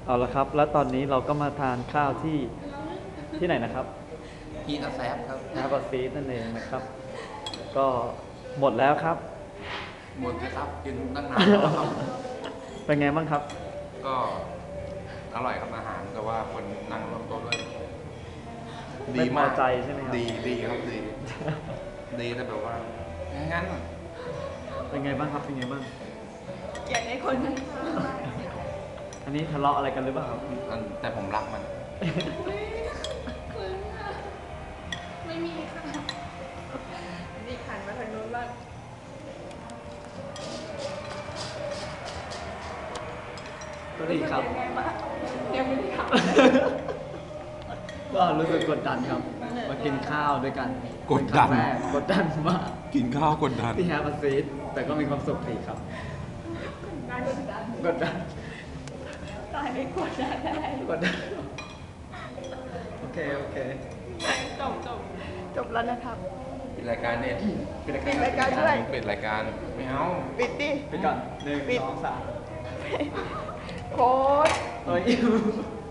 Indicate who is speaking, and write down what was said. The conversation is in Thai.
Speaker 1: เอาละครับ แล้วตอนนี้เราก็มาทานข้าวที่ไหนนะครับ
Speaker 2: ฮีทแซฟครับ
Speaker 1: นาบอซีนั่นเองนะครับ ก็หมดแล้วครับ
Speaker 2: หมดเลยครับกินตั้งนานแล้วครับ
Speaker 1: เป็นไงบ้างครับ
Speaker 2: ก็อร่อยครับอาหารแต่ว่าคนนั่งรวมโต๊ะด้วย
Speaker 1: ไม่พอใจใช่ไหมครับ
Speaker 2: ดีครับดี ดีแต่แบบว่างั้น
Speaker 1: เป็นไงบ้างครับ เป็นไงบ้าง
Speaker 3: อยากให้คนนั้น
Speaker 1: อันนี้ทะเลาะอะไรกันหรือเปล่าครับ
Speaker 2: แต่ผมรักมัน
Speaker 3: ไม่มีค่ะนี่ขันมาทางโน้นบ้าง
Speaker 1: ก็ดีครับ
Speaker 3: ยังไงบ้างยังไม่ได้ขับ
Speaker 1: ก็รู้สึกกดดันครับ มากินข้าวด้วยกัน
Speaker 2: กดดัน
Speaker 1: เป็นครั้งแรกกดดันมาก
Speaker 2: กินข้าวกดดัน
Speaker 1: ที่แฮปปี้ซีดแต่ก็มีความสุขดีครับ
Speaker 3: การกดดัน
Speaker 1: กดดัน
Speaker 3: ตายไม่กดดันได้
Speaker 1: กดดัน โอเค โอเค
Speaker 3: จบแล้วนะครับ
Speaker 2: ปิดรายการเนี่ย
Speaker 1: ปิด
Speaker 3: ปิดรายการด้วย
Speaker 2: ปิดรายการไม่เอา
Speaker 3: ปิดดิ
Speaker 1: ปิดก่อนหนึ่ง
Speaker 3: ปิด
Speaker 1: สองสาม
Speaker 3: โค้ด
Speaker 1: เอ้ย